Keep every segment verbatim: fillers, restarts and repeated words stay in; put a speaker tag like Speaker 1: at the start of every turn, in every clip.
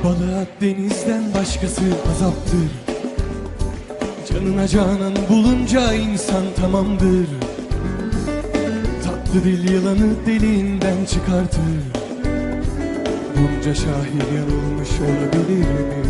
Speaker 1: Balığa denizden başkası azaptır. Canına canan bulunca insan tamamdır. Tatlı dil yılanı deliğinden çıkartır. Bunca şahit yanılmış olabilir mi?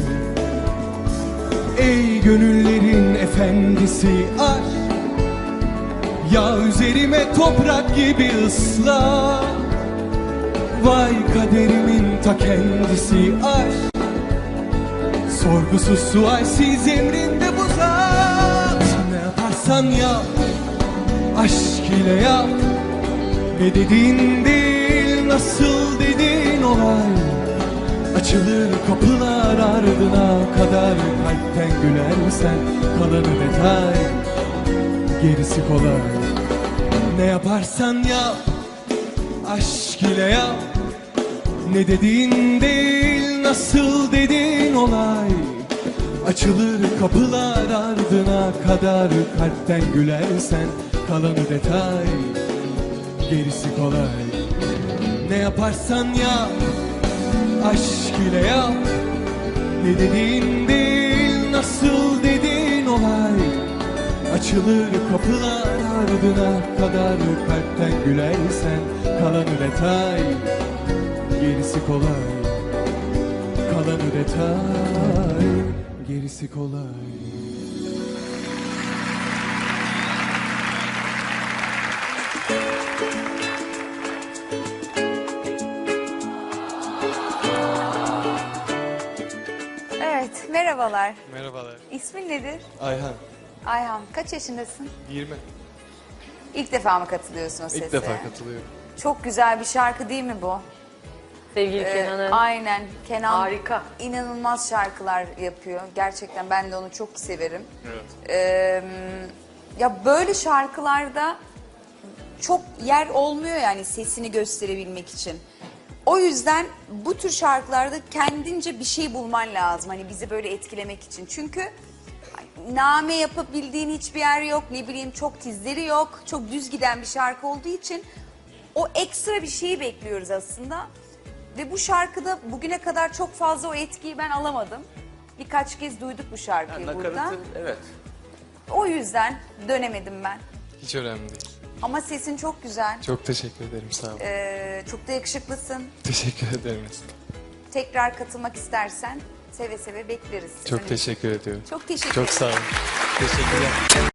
Speaker 1: Ey gönüllerin efendisi aşk, ya üzerime toprak gibi ısla. Vay kaderimin ta kendisi aşk, sorgusuz sualsiz emrinde bu zat. Ne yaparsan yap, aşk ile yap. Ne dediğin değil, nasıl dediğin olay. Açılır kapılar ardına kadar. Kalpten gülersen kalanı detay, gerisi kolay. Ne yaparsan yap, aşk ile yap. Ne dediğin değil, nasıl dediğin olay. Açılır kapılar ardına kadar. Kalpten gülersen kalanı detay, gerisi kolay. Ne yaparsan yap, aşk ile yap. Ne dediğin değil, nasıl dediğin olay. Açılır kapılar ardına kadar. Kalpten gülersen kalanı detay, gerisi kolay. Kalanı detay, gerisi kolay.
Speaker 2: Evet, merhabalar.
Speaker 3: Merhabalar.
Speaker 2: İsmin nedir?
Speaker 3: Ayhan.
Speaker 2: Ayhan, kaç yaşındasın?
Speaker 3: yirmi.
Speaker 2: İlk defa mı katılıyorsun o sese?
Speaker 3: İlk defa katılıyorum.
Speaker 2: Çok güzel bir şarkı değil mi bu?
Speaker 4: Sevgili
Speaker 2: Ee,
Speaker 4: Kenan'ın
Speaker 2: aynen. Kenan
Speaker 4: harika.
Speaker 2: inanılmaz şarkılar yapıyor. Gerçekten ben de onu çok severim.
Speaker 3: Evet.
Speaker 2: Ee, ya böyle şarkılarda çok yer olmuyor yani sesini gösterebilmek için. O yüzden bu tür şarkılarda kendince bir şey bulman lazım. Hani bizi böyle etkilemek için. Çünkü name yapabildiğin hiçbir yer yok. Ne bileyim çok tizleri yok. Çok düz giden bir şarkı olduğu için o ekstra bir şeyi bekliyoruz aslında. Ve bu şarkıda bugüne kadar çok fazla o etkiyi ben alamadım. Birkaç kez duyduk bu şarkıyı
Speaker 3: Yani
Speaker 2: burada.
Speaker 3: nakaratı, evet.
Speaker 2: O yüzden dönemedim ben.
Speaker 3: Hiç önemli değil.
Speaker 2: Ama sesin çok güzel.
Speaker 3: Çok teşekkür ederim, sağ olun.
Speaker 2: Ee, çok da yakışıklısın.
Speaker 3: Teşekkür ederim.
Speaker 2: Tekrar katılmak istersen seve seve bekleriz.
Speaker 3: Çok teşekkür ediyorum.
Speaker 2: Çok teşekkür
Speaker 3: Çok
Speaker 2: ederim.
Speaker 3: sağ olun. Teşekkürler.